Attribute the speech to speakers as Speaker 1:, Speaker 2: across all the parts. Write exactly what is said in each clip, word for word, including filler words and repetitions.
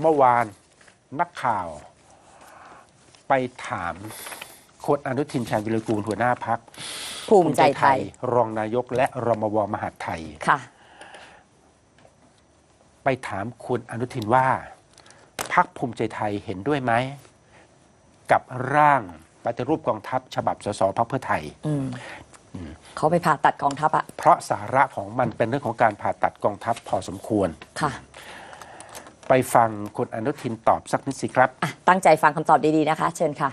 Speaker 1: เมื่อวานนักข่าวไปถามคุณอนุทินชาญวิรากูลหัวหน้าพรรค
Speaker 2: ภูมิใจไทย
Speaker 1: รองนายกและรมวมหาดไทย
Speaker 2: ค่ะ
Speaker 1: ไปถามคุณอนุทินว่าพรรคภูมิใจไทยเห็นด้วยไหมกับร่างปฏิรูปกองทัพฉบับสสพรรคเพื่อไทย
Speaker 2: เขาไปผ่าตัดกองทัพอะ
Speaker 1: เพราะสาระของมันเป็นเรื่องของการผ่าตัดกองทัพพอสมควร
Speaker 2: ค่ะ
Speaker 1: ไปฟังคุณอนุทินตอบสักนิดสิครับ
Speaker 2: ตั้งใจฟังคำตอบดีๆนะคะเชิญค่ะ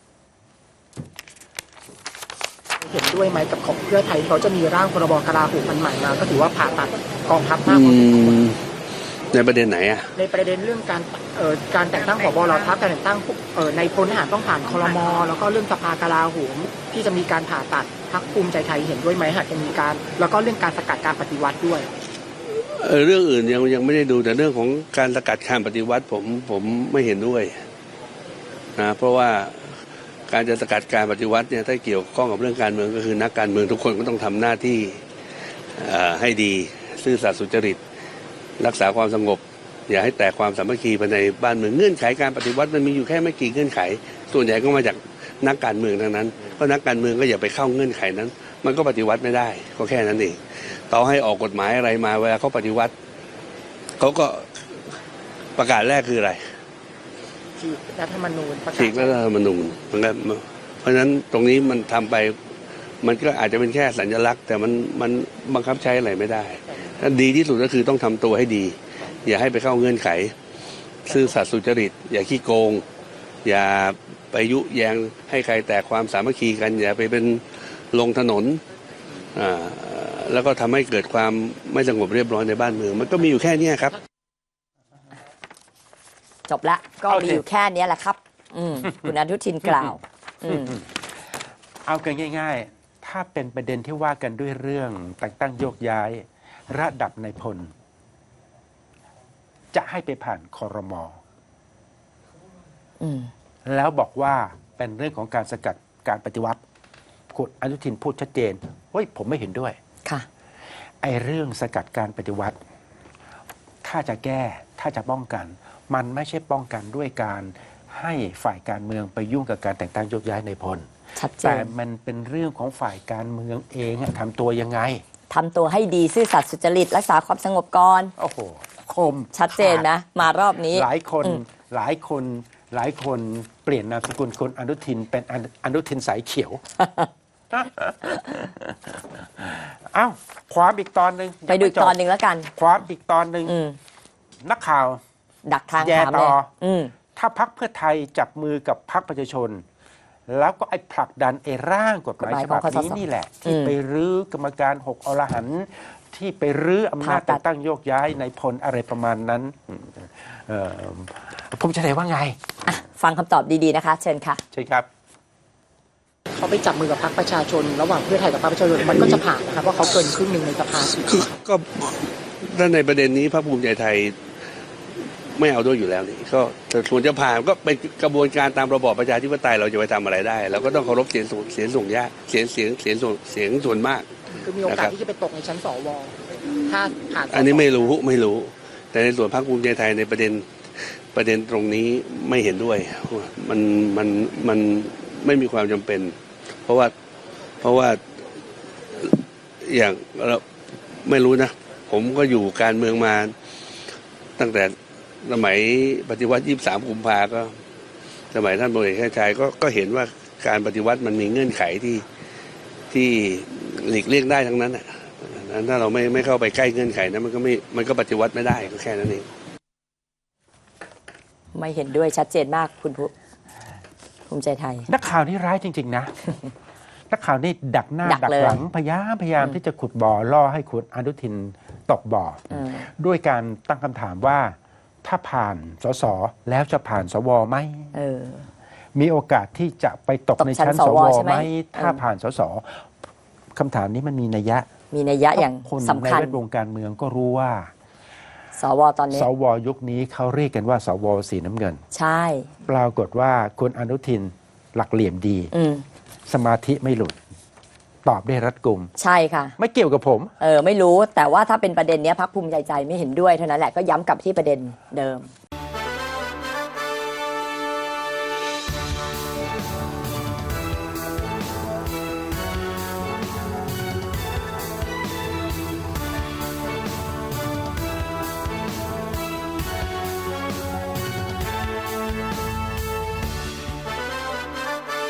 Speaker 3: เห็นด้วยไหมกับของเพื่อไทยเขาจะมีร่างพรบกลาโหมมันใหม่มาก็ถือว่าผ่าตัดกองทัพมากพอสมควร
Speaker 4: ในประเด็นไหนอะ
Speaker 3: ในประเด็นเรื่องการเอ่อการแต่งตั้งผบ.เหล่าทัพการแต่งตั้งเอ่อในพลทหารต้องผ่านครม.แล้วก็เรื่องสภากลาโหมที่จะมีการผ่าตัดพรรคภูมิใจไทยเห็นด้วยไหมหากจะมีการแล้วก็เรื่องการสกัดการปฏิวัติด้วย
Speaker 4: เออเรื่องอื่นยังยังไม่ได้ดูแต่เรื่องของการสกัดการปฏิวัติผมผมไม่เห็นด้วยนะเพราะว่าการจะสกัดการปฏิวัติเนี่ยถ้าเกี่ยวข้องกับเรื่องการเมืองก็คือนักการเมืองทุกคนก็ต้องทำหน้าที่ให้ดีซื่อสัตย์สุจริตรักษาความสงบอย่าให้แตกความสามัคคีภายในบ้านเมืองเงื่อนไขการปฏิวัติมันมีอยู่แค่ไม่กี่เงื่อนไขส่วนใหญ่ก็มาจากนักการเมืองทั้งนั้นเพราะนักการเมืองก็อย่าไปเข้าเงื่อนไขนั้นมันก็ปฏิวัติไม่ได้ก็แค่นั้นเองต่อให้ออกกฎหมายอะไรมาเวลาเขาปฏิวัติเขาก็ประกาศแรกคืออะไร
Speaker 3: ฉีกรัฐธรรมนูญ
Speaker 4: ฉีกรัฐธรรมนูญมันก็เพราะฉะนั้นตรงนี้มันทำไปมันก็อาจจะเป็นแค่สัญลักษณ์แต่มันมันบังคับใช้อะไรไม่ได้ดีที่สุดก็คือต้องทำตัวให้ดีอย่าให้ไปเข้าเงื่อนไขซื่อสัตย์สุจริตอย่าขี้โกงอย่าไปยุแยงให้ใครแตกความสามัคคีกันอย่าไปเป็นลงถนนอ่าแล้วก็ทำให้เกิดความไม่สงบเรียบร้อยในบ้านเมืองมันก็มีอยู่แค่นี้ครับ
Speaker 2: จบละก็มีอยู่แค่นี้แหละครับคุณอนุทินกล่าว
Speaker 1: เอากันง่ายๆถ้าเป็นประเด็นที่ว่ากันด้วยเรื่องแต่งตั้งโยกย้ายระดับนายพลจะให้ไปผ่านครม.แล้วบอกว่าเป็นเรื่องของการสกัดการปฏิวัติคุณอนุทินพูดชัดเจนเฮ้ยผมไม่เห็นด้วย
Speaker 2: ค่ะ
Speaker 1: ไอ้เรื่องสกัดการปฏิวัติถ้าจะแก้ถ้าจะป้องกันมันไม่ใช่ป้องกันด้วยการให้ฝ่ายการเมืองไปยุ่งกับการแต่งตั้งโยกย้ายนายพลแต่มันเป็นเรื่องของฝ่ายการเมืองเองทำตัวยังไง
Speaker 2: ทำตัวให้ดีซื่อสัตย์สุจริตรักษาความสงบก่อน
Speaker 1: โอ้โหคม
Speaker 2: ชัดเจนนะมารอบนี้
Speaker 1: หลายคนหลายคนหลายคนเปลี่ยนนามสกุลคนอนุทินเป็นอนุทินสายเขียวเอ้าความอีกตอนหนึ่ง
Speaker 2: ไปดูอีกตอนหนึ่งแล้วกัน
Speaker 1: ความอีกตอนหนึ่งนักข่าว
Speaker 2: ดักทาง
Speaker 1: แย่ต่อ
Speaker 2: อ
Speaker 1: ถ้าพรรคเพื่อไทยจับมือกับพรรคประชาชนแล้วก็ไอ้ผลักดันไอ้ร่างกฎหมายฉบับนี้นี่แหละที่ไปรื้อกรรมการหกอรหันต์ที่ไปรื้ออำนาจแต่งตั้งโยกย้ายในพลอะไรประมาณนั้นผมจะได้ว่าไง
Speaker 2: ฟังคำตอบดีๆนะคะเชิญค่ะ
Speaker 1: ใช่ครับ
Speaker 3: เขาไปจับมือกับพรรคประชาชนระหว่างเพื่อไทยกับพรรคประชาชนมันก็จะผ่านนะครับเพราะเขาเกินครึ่งหนึ่งในสภา
Speaker 4: ก็ถ้าในประเด็นนี้พรรคภูมิใจไทยไม่เอาด้วยอยู่แล้วนี่ก็ส่วนจะผ่านก็เป็นกระบวนการตามระบอบประชาธิปไตยเราจะไปทำอะไรได้เราก็ต้องเคารพเสียงส่วนเสียงส่งยากเสียงเสียงเสียงส่วนเสียงส่วนมาก
Speaker 3: คือมีโอกาสที่จะไปตกในชั้นสวถ้าผ่าน
Speaker 4: อันนี้ไม่รู้ไม่รู้แต่ในส่วนพรรคภูมิใจไทยในประเด็นประเด็นตรงนี้ไม่เห็นด้วยมันมันมันไม่มีความจำเป็นเพราะว่าเพราะว่าอย่างเราไม่รู้นะผมก็อยู่การเมืองมาตั้งแต่สมัยปฏิวัติยี่สิบสามกุมภาก็สมัยท่านพลเอกชาติชายก็ก็เห็นว่าการปฏิวัติมันมีเงื่อนไขที่ที่หลีกเลี่ยงได้ทั้งนั้นอ่ะถ้าเราไม่ไม่เข้าไปใกล้เงื่อนไขนั้นมันก็ไม่มันก็ปฏิวัติไม่ได้ก็แค่นั้นเอง
Speaker 2: ไม่เห็นด้วยชัดเจนมากคุณภูมิใจไทย
Speaker 1: นักข่าวนี่ร้ายจริงๆนะนักข่าวนี่ดักหน้าดักหลังพยายามพยายามที่จะขุดบ่อล่อให้คุณอนุทินตกบ่อด้วยการตั้งคำถามว่าถ้าผ่านสสแล้วจะผ่านสวไหมมีโอกาสที่จะไปตกในชั้นสวไหมถ้าผ่านสสคำถามนี้มันมีนัยยะ
Speaker 2: มีนัยยะอย่างสำคัญ
Speaker 1: ในแวดวงการเมืองก็รู้ว่า
Speaker 2: สวตอนนี้
Speaker 1: สวยุคนี้เขาเรียกกันว่าสวสีน้ำเงิน
Speaker 2: ใช่
Speaker 1: ปรากฏว่าคุณอนุทินหลักเหลี่ยมดีสมาธิไม่หลุดตอบได้รัดกุม
Speaker 2: ใช่ค่ะ
Speaker 1: ไม่เกี่ยวกับผม
Speaker 2: เออไม่รู้แต่ว่าถ้าเป็นประเด็นนี้พรรคภูมิใจไทยไม่เห็นด้วยเท่านั้นแหละก็ย้ำกลับที่ประเด็นเดิม